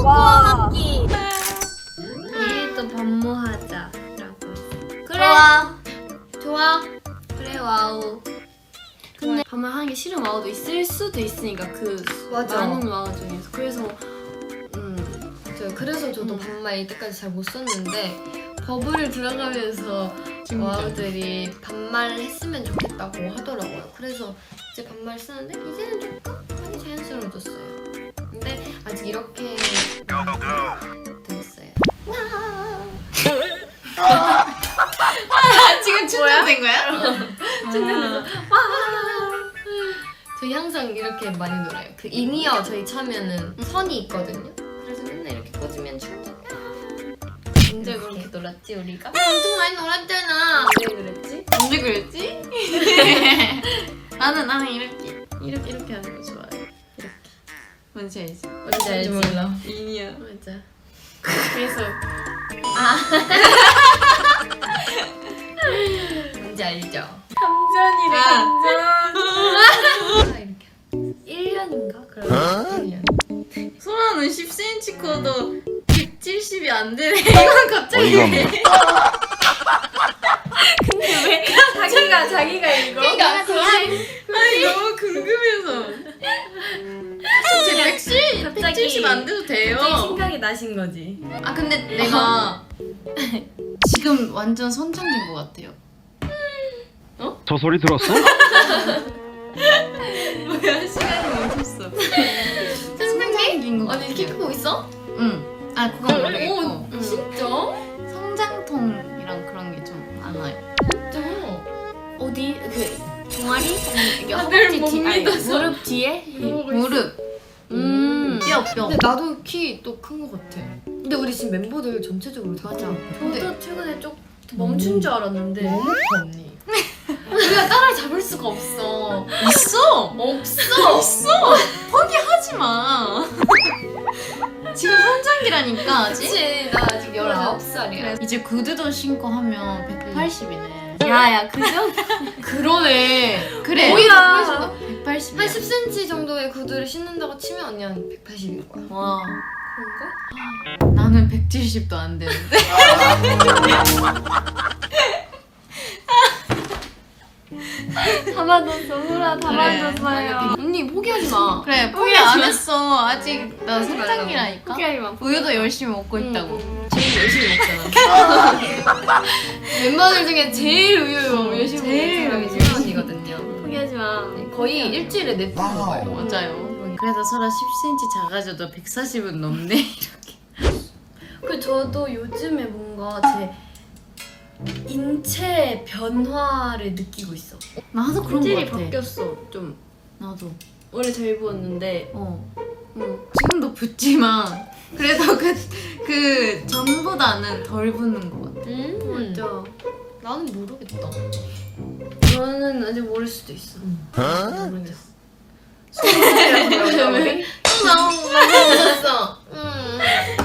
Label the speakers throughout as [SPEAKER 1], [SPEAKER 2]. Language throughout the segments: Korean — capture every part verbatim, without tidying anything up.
[SPEAKER 1] 코코아 먹기.
[SPEAKER 2] 내일 또 반모하자 라고.
[SPEAKER 1] 그래. 좋아.
[SPEAKER 2] 좋아. 그래 와우. 근데 반말 하는 게 싫은 와우도 있을 수도 있으니까 그
[SPEAKER 1] 맞아.
[SPEAKER 2] 많은 와우 중에서. 그래서 음 저 그래서 저도
[SPEAKER 1] 음.
[SPEAKER 2] 반말 이때까지 잘 못 썼는데 버블을 들어가면서 와우들이 반말을 했으면 좋겠다고 하더라고요. 그래서 이제 반말 쓰는데 이제는 조금 많이 자연스러워졌어요. 근데 아직 이렇게 됐어요.
[SPEAKER 1] 지금 충전된 거야?
[SPEAKER 2] 충전돼서 저희 항상 이렇게 많이 놀아요. 그 인이어 저희 차면은 선이 있거든요. 그래서 맨날 이렇게 꽂으면 충전. 언제 그렇게 놀았지 우리가? 엄청 많이 놀았잖아. 언제 그랬지?
[SPEAKER 1] 언제 그랬지? 나는 나는 이렇게 이렇게 이렇게 하는 거 좋아해. 이렇게. 뭔지 알지?
[SPEAKER 2] 뭔지 알지?
[SPEAKER 1] 몰라. 인이야.
[SPEAKER 2] 맞아.
[SPEAKER 1] 그래서
[SPEAKER 2] 뭔지 알죠?
[SPEAKER 1] 감전이래
[SPEAKER 2] 아.
[SPEAKER 1] 감전.
[SPEAKER 2] 아, 이렇게 일 년인가? 그러면 일 년.
[SPEAKER 1] 소라는 십 센티미터 커도 백칠십이 안 되네. 이건 갑자기
[SPEAKER 3] 어이가
[SPEAKER 1] 왜?
[SPEAKER 3] 없네.
[SPEAKER 1] 자기가 자기가 이거.
[SPEAKER 2] 그러니까
[SPEAKER 1] 아니 너무 궁금해서. 제 백칠 백칠십 안 돼도 돼요.
[SPEAKER 2] 갑자기 생각이 나신 거지.
[SPEAKER 1] 아 근데 내가 지금 완전 선장인 것 같아요.
[SPEAKER 3] 저 소리 들었어?
[SPEAKER 1] 뭐야 시간이 멈췄어. 선장인 것
[SPEAKER 2] 아니
[SPEAKER 1] 같아요.
[SPEAKER 2] 키 크고 있어?
[SPEAKER 1] 응. 아 그건 모르겠고.
[SPEAKER 2] 오,
[SPEAKER 1] 응.
[SPEAKER 2] 진짜?
[SPEAKER 1] 성장통이랑 그런 게 좀 많아요.
[SPEAKER 2] 진짜? 어디? 그 종아리? 이게
[SPEAKER 1] 다들
[SPEAKER 2] 허벅지
[SPEAKER 1] 못
[SPEAKER 2] 뒤, 아니
[SPEAKER 1] 믿어서.
[SPEAKER 2] 무릎 뒤에?
[SPEAKER 1] 무릎. 음. 뼈 뼈.
[SPEAKER 2] 근데 나도 키 또 큰 거 같아. 근데 우리 지금 멤버들 전체적으로 다 맞아.
[SPEAKER 1] 근데-
[SPEAKER 2] 저도 최근에 좀 멈춘 줄 알았는데
[SPEAKER 1] 너무 커 언니.
[SPEAKER 2] 우리가 따라잡을 수가 없어.
[SPEAKER 1] 있어.
[SPEAKER 2] 없어.
[SPEAKER 1] 있어. 포기하지 마. 지금 선장기라니까 아직.
[SPEAKER 2] 그치 나 아직 열아홉 살이야.
[SPEAKER 1] 이제 구두도 신고 하면 백팔십이네.
[SPEAKER 2] 야야 그죠? 그러네.
[SPEAKER 1] 그래.
[SPEAKER 2] 오히려
[SPEAKER 1] 백팔십.
[SPEAKER 2] 한 십 센티미터 정도의 구두를 신는다고 치면 언니 한 백팔십인 거야.
[SPEAKER 1] 와.
[SPEAKER 2] 그런가?
[SPEAKER 1] 나는 백칠십도 안 되는데.
[SPEAKER 2] 다 맞았어. 소라 다
[SPEAKER 1] 그래.
[SPEAKER 2] 맞았어요. 언니 포기하지 마.
[SPEAKER 1] 그래 포기 안 했어. 아직 나 선장기라니까.
[SPEAKER 2] 포기하지 마.
[SPEAKER 1] 우유도 열심히 먹고 있다고.
[SPEAKER 2] 응. 제일 열심히 먹잖아. 멤버들 중에 제일 우유 열심히
[SPEAKER 1] 제일
[SPEAKER 2] 먹는 사람이
[SPEAKER 1] 우유.
[SPEAKER 2] 소라 언니거든요.
[SPEAKER 1] 포기하지 마.
[SPEAKER 2] 거의 일주일에 네 번 먹어요.
[SPEAKER 1] 맞아요. 그래도 서로 십 센티미터 작아져도 백사십은 넘네. 이렇게.
[SPEAKER 2] 그 저도 요즘에 뭔가 제 인체 변화를 느끼고 있어.
[SPEAKER 1] 나도 그런 거
[SPEAKER 2] 체질이
[SPEAKER 1] 같아.
[SPEAKER 2] 바뀌었어. 좀
[SPEAKER 1] 나도.
[SPEAKER 2] 원래 잘 부었는데
[SPEAKER 1] 어.
[SPEAKER 2] 응.
[SPEAKER 1] 지금도 붓지만 그래도 그, 그 전보다는 덜 붓는 것 같아.
[SPEAKER 2] 음 맞아. 나는 모르겠다. 너는 아직 모를 수도 있어. 모르겠어. 소리라고 너무 많이 웃었어. 응.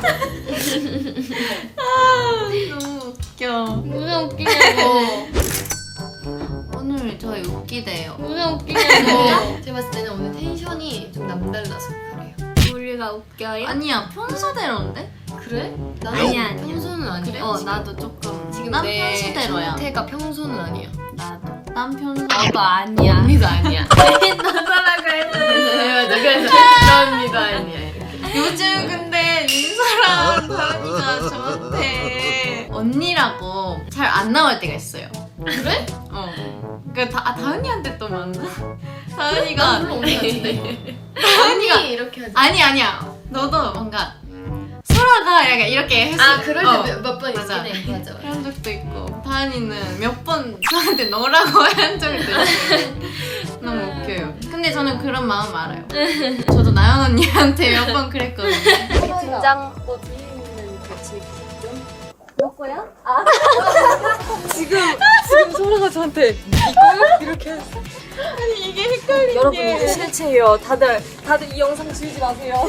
[SPEAKER 1] 너무 웃겨.
[SPEAKER 2] 무슨 웃기냐고.
[SPEAKER 1] 오늘 저희 웃기대요.
[SPEAKER 2] 무슨 웃기냐고. 제가 봤을 때는 오늘 텐션이 좀 남달라서 그래요. 우리가 웃겨요?
[SPEAKER 1] 아니야 평소대로인데?
[SPEAKER 2] 그래? 나는
[SPEAKER 1] 아니야, 아니야.
[SPEAKER 2] 평소는 아니야.
[SPEAKER 1] 그래? 어
[SPEAKER 2] 지금.
[SPEAKER 1] 나도 조금.
[SPEAKER 2] 지금
[SPEAKER 1] 난
[SPEAKER 2] 내
[SPEAKER 1] 평소대로야.
[SPEAKER 2] 상태가 평소는 아니야.
[SPEAKER 1] 나도. 난 평소.
[SPEAKER 2] 나도 아니야. 언니도 아니야.
[SPEAKER 1] 너라고
[SPEAKER 2] 네, 맞아. 그래서 나 언니도 아니야. 이렇게.
[SPEAKER 1] 요즘 근데 민서랑 다은이가 저한테 언니라고 잘 안 나올 때가 있어요.
[SPEAKER 2] 그래?
[SPEAKER 1] 어. 그러니까 다, 아, 다은이한테 또 맞나? 다은이가
[SPEAKER 2] 물론 언니한테.
[SPEAKER 1] 다은이가
[SPEAKER 2] 언니 이렇게 하지.
[SPEAKER 1] 아니 아니야. 너도 뭔가 소라가 약간 이렇게 했어.
[SPEAKER 2] 아 그럴
[SPEAKER 1] 어.
[SPEAKER 2] 때 몇 번
[SPEAKER 1] 맞아.
[SPEAKER 2] 있긴 해. 맞아. 맞아.
[SPEAKER 1] 그런 적도 있고 다은이는 몇 번 저한테 너라고 한 적도 있어요. 너무 웃겨요. 근데 저는 그런 마음 알아요. 저도 나연 언니한테 몇 번 그랬거든요.
[SPEAKER 2] 긴장도 뒤에 있는 그 질기점.
[SPEAKER 4] 먹고요? 아 지금 지금 소라가 저한테 이거 이렇게 했어.
[SPEAKER 1] 아니 이게 헷갈리게.
[SPEAKER 4] 여러분 이게 실체예요. 다들 다들 이 영상 지우지 마세요.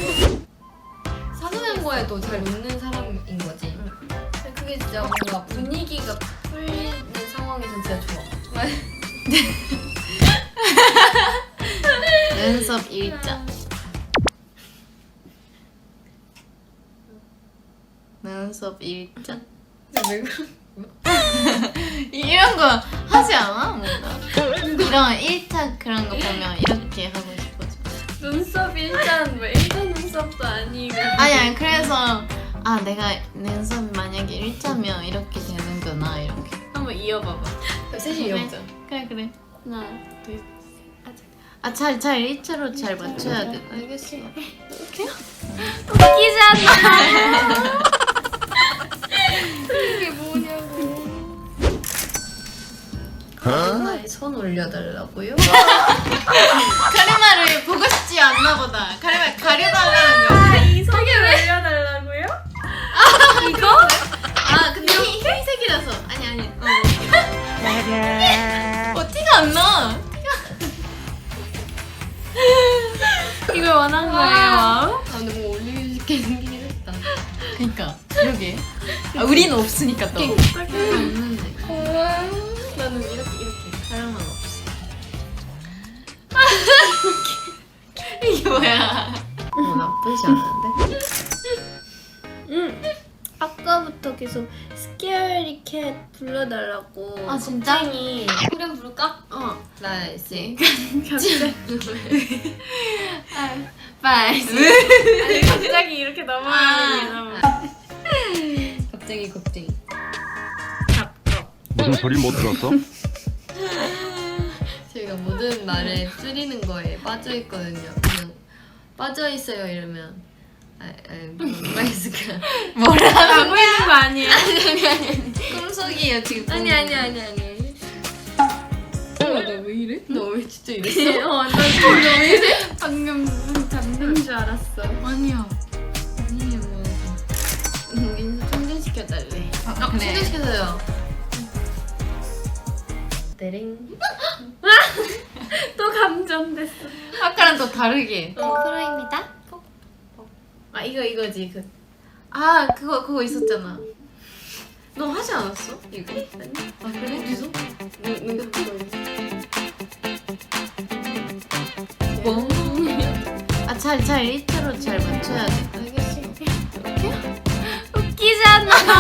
[SPEAKER 2] 사소한 거에도 잘 웃는 사람인 거지. 근데 그게 진짜 뭔가 분위기가 풀리는 상황에서 진짜 좋아.
[SPEAKER 1] 연습 일자. 눈썹 일자?
[SPEAKER 2] 왜 그래?
[SPEAKER 1] 이런 거 하지 않아? 뭔가 이런 일자 그런 거 보면 이렇게 하고 싶어져.
[SPEAKER 2] 눈썹 일단 뭐 일단 눈썹도 아니고.
[SPEAKER 1] 아니 아니 그래서 아 내가 눈썹 만약에 일자면 이렇게 되는구나 이렇게.
[SPEAKER 2] 한번 이어봐봐. 셋이
[SPEAKER 1] 그래.
[SPEAKER 2] 이어보자.
[SPEAKER 1] 그래 그래.
[SPEAKER 2] 하나, 둘.
[SPEAKER 1] 아잘 잘 일자로 잘 맞춰야 돼.
[SPEAKER 2] 알겠어.
[SPEAKER 1] 웃기잖아.
[SPEAKER 2] 이게 뭐냐고. 가르마에 손 올려달라고요?
[SPEAKER 1] 카리마를 보고 싶지 않나 보다. 카리마 가려달라는 거.
[SPEAKER 2] 이 손을 올려달라고요?
[SPEAKER 1] 이거? 아 근데 흰- 흰색이라서 아니 아니. 어, 어 티가 안 나.
[SPEAKER 2] 이걸 원한 거예요.
[SPEAKER 1] 와.
[SPEAKER 2] 아 근데 뭐 올리고 싶게 생기긴 했다.
[SPEAKER 1] 그러니까 그러게. 아, 우리는 없으니까 또.
[SPEAKER 2] 없는데. 나는 이렇게 이렇게.
[SPEAKER 1] 사람은 없어. 이게 뭐야?
[SPEAKER 2] 뭐 나쁘지 않은데? 응. 아까부터 계속 스케어리 캣 불러달라고.
[SPEAKER 1] 아, 진짜?
[SPEAKER 2] 겁쟁이.
[SPEAKER 1] 그래 부를까?
[SPEAKER 2] 어. 나 이제
[SPEAKER 1] 갑자기.
[SPEAKER 2] 빨리. 아니 갑자기 이렇게
[SPEAKER 1] 아.
[SPEAKER 2] 넘어가는 게 너무. 겁쟁이 겁쟁이.
[SPEAKER 3] 무슨 소리 못 들었어?
[SPEAKER 2] 저희가 모든 말에 줄이는 거에 빠져 있거든요. 그냥 빠져 있어요 이러면 아, 아 뭐가 있을까?
[SPEAKER 1] 뭐라고?
[SPEAKER 2] 고 있는 거 아니에요?
[SPEAKER 1] 아니 아니 아니. 꿈속이에요 지금.
[SPEAKER 2] 아니 아니 아니 아니. 나왜 이래? 너 왜 진짜 이랬어? 어, 나너왜 이래? 방금 무슨 잡는 줄 알았어.
[SPEAKER 1] 아니야.
[SPEAKER 2] 아니에요. 민수 충전시켜달래.
[SPEAKER 1] 아, 그래.
[SPEAKER 2] 충전시켜줘요. 데링. 또 감정됐어.
[SPEAKER 1] 아까랑 또 다르게.
[SPEAKER 2] 어, 프로입니다. 아 이거 이거지 그.
[SPEAKER 1] 아 그거 그거 있었잖아.
[SPEAKER 2] 너 하지 않았어? 이거? 아니?
[SPEAKER 1] 아 그래?
[SPEAKER 2] 어디서? 누구
[SPEAKER 1] 뭐? 아잘 잘 일자로 잘 맞춰야 돼.
[SPEAKER 2] 알겠어.
[SPEAKER 1] 웃기잖아.